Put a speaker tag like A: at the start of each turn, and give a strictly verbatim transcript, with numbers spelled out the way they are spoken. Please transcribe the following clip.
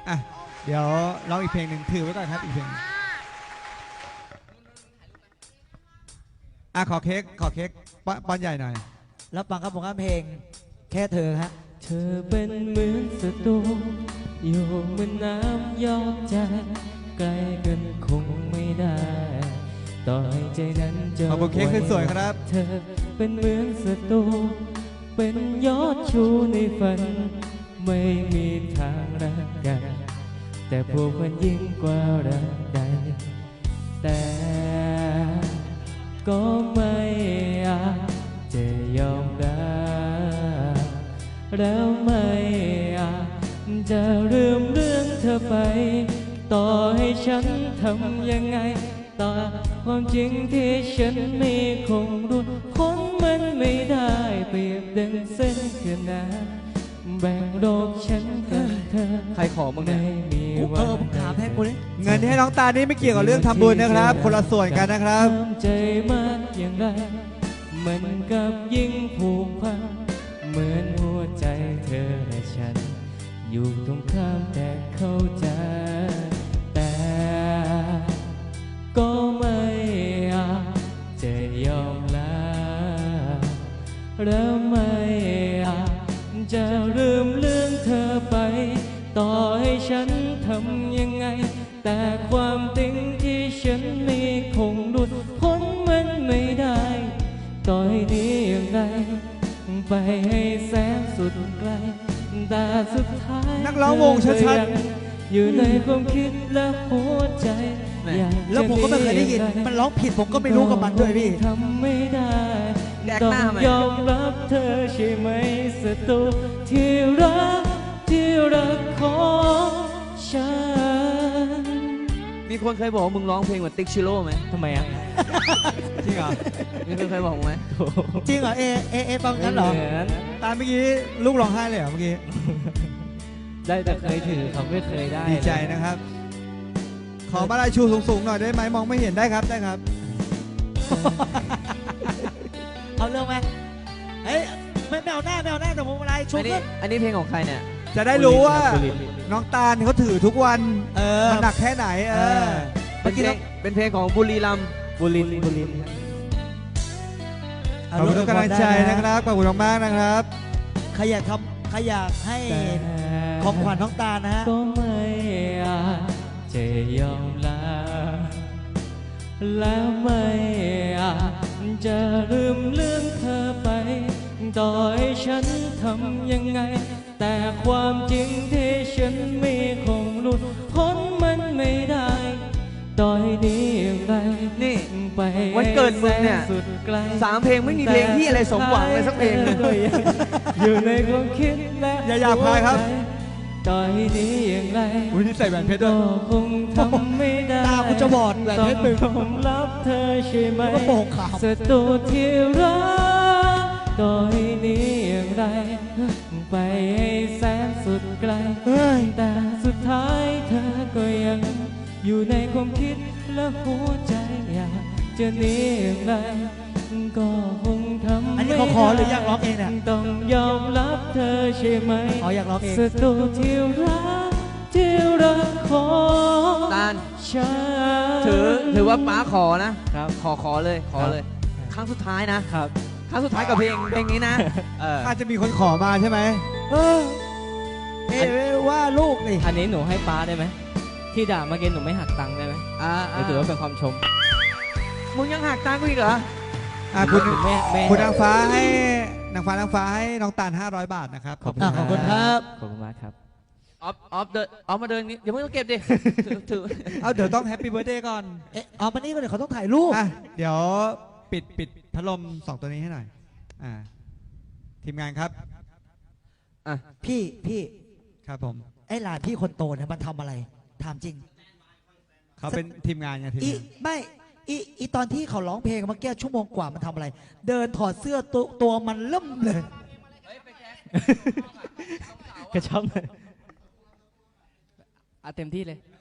A: อ่ะเดี๋ยวร้องอีกเพลงหนึ่งถือไว้ก่อนครับอีกเพลงอ่ะขอเค้กขอเค้กป้อนใหญ่หน่อย
B: รับฟังครับผมครับเพลงแค่เธอฮะ
C: เธอเป็นเหมือนศัตรูอยู่เหมือนน้ำยอมใจใกล้กันคงไม่ได้ต่อให้ใจนั้นจะ
A: ขอบคุณเค้กสวยครับ
C: เธอเป็นเหมือนศัตรูเป็นยอดชูในฝันไม่มีทางรักกันแต่พวกมันยิ่งกว่ารักใดแต่ก็ไม่อาจจะยอมรับแล้วไม่อาจจะลืมเรื่องเธอไปต่อให้ฉันทำยังไงต่อความจริงที่ฉันมีคงรู้พ้นมันไม่ได้เปรียบดังเส้นขนานแบ่งโลกฉันกับเธอ
D: ใครขอมึงเนี่ย
B: เออผมถามให้คุณ
A: เงินที่ให้น้องตานี่ไม่เกี่ยวกับเรื่องทำบุญนะครับคนละส่วนกันนะครับ
C: ใจมากอย่างไรมันกับยิ่งผูกพันเหมือนหัวใจเธอและฉันอยู่ตรงข้ามแต่เข้าใจแต่ก็ไม่อาจจะยอมลาแล้วไม่อาจจะลืมเรื่องเธอไปต่อให้ฉันทำยังไงแต่ความจริงที่ฉันมีคงหลุดพ้นมันไม่ได้ต่อให้ดีอย่างไรไปให้แสนสุดไกลแต่สุดท้าย
A: นักร้องวงชัด
C: ๆอยู่ในความคิดและหัวใจ
B: แล้วผมก็ไม่เคยได้ยินมันร้องผิดผมก็ไม่รู้กับมันด้วยพี่
C: ทำไม่ได้ต้องยอมรับเธอใช่ไหมศัตรูที่รักที่รักของฉัน
D: มีคนเคยบอกว่ามึงร้องเพลงเหมือนติ๊กชิโร่ไหม
C: ทำไมอ่ะ
A: จริงเหรอ
D: มีคนเคยบอกไหม
B: จริงเหรอเอเอเอฟังกันเหรอ
A: ตาเมื่อกี้ลูกร้องไห้เลยเหรอเมื่อกี้
C: ได้แต่เคยถือเขาไม่เคยได้
A: ดีใจนะครับขอมาลายชูสูงๆหน่อยได้ไหมมองไม่เห็นได้ครับได้ครับ
B: เอาเรื่องไหมเฮ้ยไม่แมวหน้าแมวหน้าแต่ผมอะไรชู
D: ขึ้นอันนี้เพลงของใครเนี่ย
A: จะได้รู้ว่าน้องตาลเขาถือทุกวัน
B: เออ
A: หนักแค่ไหนเออ
D: เมื่อกี้เป็นเพลงของบุรีรัมย์
C: บุรีบุรี
A: ขอบคุณทุกกำลังใจนะครับขอบคุณมากนะครับ
B: ใครอยากทำใครอยากให้ของขวัญน้องตาลนะฮะ
C: ก็ไม่อาจจะยอมลาและไม่อาจจะลืมเรื่องเธอไปต่อให้ฉันทำยังไงแต่ความจริงที่ฉันมีคงหลุดพ้นมันไม่ได้ต่อให้ดีอย่างไร
D: นี่ไปวันเกิดมึงเนี่ยสามเพลงไม่มีเพลงที่อะไรสมหวังเลยสักเพลง
C: อยู่ในความคิดและ
A: อย่าหยาบคายครับ
C: ต่อให้ดีอย่างไร
A: อุ้ยนี่ใส่แหวนเพชรด้วย
C: คงทำไม่ได้
B: ตาคุณจะบอดแหวนเพชรมึง
C: ต้องรับเธอใช่ไหม
B: ก็โป่งขาว
C: ศัตรูที่รักต่อให้ดีอย่างไรไปให้แสนสุดไกลแต่สุดท้ายเธอก็ยังอยู่ในความคิดและหัวใจอยากจะหนีอย่างไรก็คงทำไม่ได้
B: อันนี้เขาขอหรืออยากร้องเองเนี่ย
C: ต้องยอมรับเธอใช่ไหม
B: อ๋ออยากร้องเอง
C: ศัตรูที่รักที่รักของ
D: ตาล
C: ฉัน
D: ถือถือว่าป้าขอนะครับขอขอเลยขอเลยครั้งสุดท้ายนะครับครั้งสุดท้ายกับเพลงเพลงนี้นะ
A: อาจจะมีคนขอมาใช่ไหม
B: เออเอว่าลูกนี่
C: อันนี้หนูให้ป้าได้ไหมที่ด่าเมื่อกี้หนูไม่หักตังค์ได้ไหม
D: อ่า
C: ถือว่าเป็นความชม
D: มึงยังหักตังค์กูอีกเหรอ
A: อ่าคุณคุณนางฟ้าให้นางฟ้านางฟ้าให้น้องตาลห้าร้อยบาทนะครับ
B: ขอบคุณขอบคุณครับ
C: ขอบคุณมากครับ
D: ออฟออฟเดินออฟมาเดินนี้เดี๋ยวมึงต้องเก็บดิถือ
A: เอาเดี๋ยวต้องแฮปปี้เบิร์ธเดย์ก่อน
B: เอ๊ะเอามานี่ก่อนเดี๋ยวเขาต้องถ่ายรูป
A: อ่ะเดี๋ยวปิดปิดพัดลมสองตัวนี้ให้หน่อยอ่าทีมงานครับ
B: อ่ะพี่พี่
A: ครับผม
B: ไอ้หลานพี่คนโตเนี่ยมันทำอะไรถามจริง
A: เขาเป็นทีมงานไงทีมงาน
B: ไม่อีอีตอนที่เขาร้องเพลงเมื่อกี้ชั่วโมงกว่ามันทำอะไรเดินถอดเสื้อตัวตัวมันเริ่มเลย
C: กระชับเลยเอาเต็มที่เลย